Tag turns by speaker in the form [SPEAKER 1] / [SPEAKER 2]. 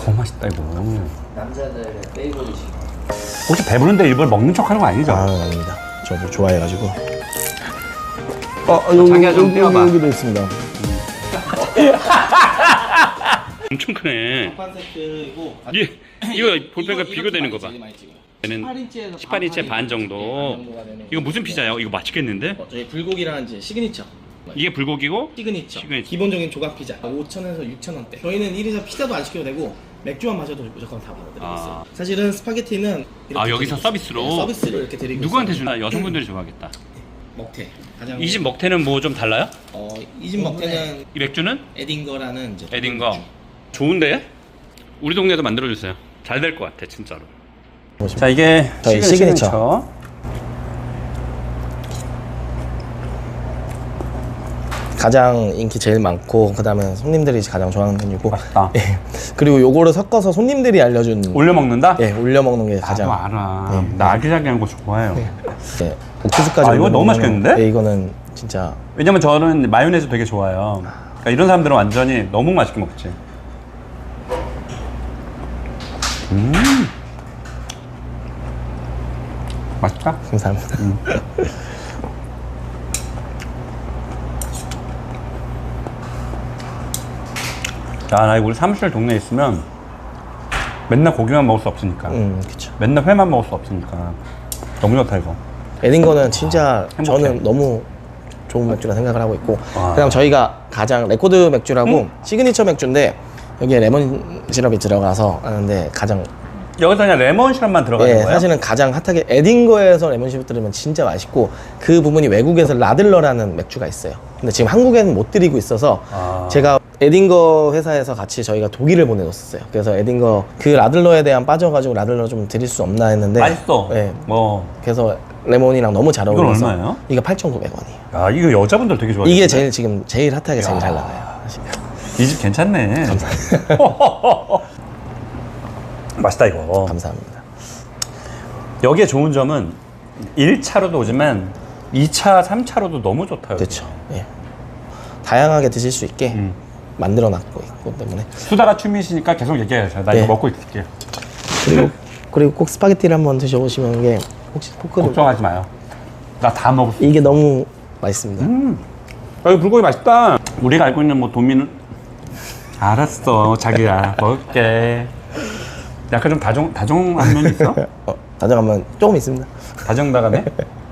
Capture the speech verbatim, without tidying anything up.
[SPEAKER 1] 너무 맛있다 이거.
[SPEAKER 2] 남자들의 페이보릿이.
[SPEAKER 1] 혹시 배부른데 일부러 먹는 척하는 거 아니죠?
[SPEAKER 3] 아, 아닙니다. 저도 좋아해가지고. 어, 여기,
[SPEAKER 1] 자기야 좀
[SPEAKER 3] 여기,
[SPEAKER 1] 떼어봐.
[SPEAKER 3] 여기도 있습니다.
[SPEAKER 1] 엄청 크네.
[SPEAKER 2] 한 세트이고.
[SPEAKER 1] 이 이거 볼펜과 비교되는 거 봐. 얘는
[SPEAKER 2] 십팔 인치에서
[SPEAKER 1] 십팔 인치의 반 정도. 이거 무슨 피자예요? 이거 맛있겠는데?
[SPEAKER 2] 어, 저희 불고기라는 이제 시그니처.
[SPEAKER 1] 이게 불고기고?
[SPEAKER 2] 시그니처.
[SPEAKER 1] 시그니처.
[SPEAKER 2] 기본적인 조각 피자. 오천 원에서 육천 원대. 저희는 일에서 피자도 안 시켜도 되고 맥주만 마셔도 무조건 다 받아드리고 있어요.
[SPEAKER 1] 아.
[SPEAKER 2] 사실은 스파게티는 이렇게
[SPEAKER 1] 아 여기서
[SPEAKER 2] 드리고
[SPEAKER 1] 서비스로?
[SPEAKER 2] 있어요. 네, 서비스로 이렇게 드리고
[SPEAKER 1] 누구한테
[SPEAKER 2] 있어요.
[SPEAKER 1] 주나? 여성분들이 좋아하겠다.
[SPEAKER 2] 먹태. 가장
[SPEAKER 1] 이 집 먹태는 뭐 좀 달라요?
[SPEAKER 2] 어, 이 집 먹태는
[SPEAKER 1] 이 맥주는?
[SPEAKER 2] 에딩거라는 이제
[SPEAKER 1] 에딘거. 좋은데? 우리 동네도 만들어주세요. 잘 될 것 같아 진짜로. 자 이게
[SPEAKER 3] 저희
[SPEAKER 1] 시그니처.
[SPEAKER 3] 시그니처. 가장 인기 제일 많고 그다음에 손님들이 가장 좋아하는 메뉴고.
[SPEAKER 1] 맛있다.
[SPEAKER 3] 예. 그리고 요거를 섞어서 손님들이 알려준.
[SPEAKER 1] 올려 먹는다?
[SPEAKER 3] 예, 올려 먹는 게 가장.
[SPEAKER 1] 나도 알아.
[SPEAKER 3] 네.
[SPEAKER 1] 나 아기자기한 거 좋아해요.
[SPEAKER 3] 예, 옥수수까지.
[SPEAKER 1] 아, 이거
[SPEAKER 3] 올려
[SPEAKER 1] 너무
[SPEAKER 3] 먹으면,
[SPEAKER 1] 맛있겠는데?
[SPEAKER 3] 예, 이거는 진짜.
[SPEAKER 1] 왜냐면 저는 마요네즈 되게 좋아해요. 그러니까 이런 사람들은 완전히 너무 맛있게 먹지. 음. 맛있다?
[SPEAKER 3] 감사합니다.
[SPEAKER 1] 음. 야, 나 이거 우리 사무실 동네에 있으면 맨날 고기만 먹을 수 없으니까.
[SPEAKER 3] 음, 그쵸.
[SPEAKER 1] 맨날 회만 먹을 수 없으니까. 너무 좋다, 이거.
[SPEAKER 3] 에딩거는 진짜
[SPEAKER 1] 행복해.
[SPEAKER 3] 저는 너무 좋은 맥주라 생각을 하고 있고.
[SPEAKER 1] 아.
[SPEAKER 3] 그다음 저희가 가장 레코드 맥주라고
[SPEAKER 1] 음?
[SPEAKER 3] 시그니처 맥주인데 여기에 레몬 시럽이 들어가서 하는데 가장.
[SPEAKER 1] 여기서 그냥 레몬 시럽만 들어가는
[SPEAKER 3] 예,
[SPEAKER 1] 거예요?
[SPEAKER 3] 사실은 가장 핫하게 에딩거에서 레몬 시럽 들으면 진짜 맛있고 그 부분이 외국에서 라들러라는 맥주가 있어요. 근데 지금 한국에는 못 드리고 있어서
[SPEAKER 1] 아.
[SPEAKER 3] 제가 에딩거 회사에서 같이 저희가 독일을 보내줬어요. 그래서 에딩거 그 라들러에 대한 빠져가지고 라들러 좀 드릴 수 없나 했는데
[SPEAKER 1] 맛있어.
[SPEAKER 3] 예,
[SPEAKER 1] 뭐.
[SPEAKER 3] 그래서 레몬이랑 너무 잘
[SPEAKER 1] 이건
[SPEAKER 3] 어울려서.
[SPEAKER 1] 얼마예요?
[SPEAKER 3] 이거 팔천구백 원이에요.
[SPEAKER 1] 야, 이거 여자분들 되게 좋아해요.
[SPEAKER 3] 이게 제일 지금 제일 핫하게 제일 잘 나가요.
[SPEAKER 1] 이 집 괜찮네. 맛있다, 이거.
[SPEAKER 3] 감사합니다.
[SPEAKER 1] 여기에 좋은 점은 일 차로도 오지만 이 차, 삼 차로도 너무 좋다. 여기.
[SPEAKER 3] 그렇죠. 예. 다양하게 드실 수 있게
[SPEAKER 1] 음.
[SPEAKER 3] 만들어 놨고 있기 때문에.
[SPEAKER 1] 수다가 취미시니까 계속 얘기해요. 나
[SPEAKER 3] 네.
[SPEAKER 1] 이거 먹고 있을게요.
[SPEAKER 3] 그리고 그리고 꼭 스파게티를 한번 드셔보시면 게 혹시 포크를
[SPEAKER 1] 걱정하지 마요. 나 다 먹었어.
[SPEAKER 3] 이게 너무 맛있습니다.
[SPEAKER 1] 음. 여기 불고기 맛있다. 우리가 알고 있는 뭐 도미는 알았어, 자기야. 먹을게. 약간 좀 다정 다정한 면이 있어?
[SPEAKER 3] 어, 다정하면 조금 있습니다.
[SPEAKER 1] 다정다감해?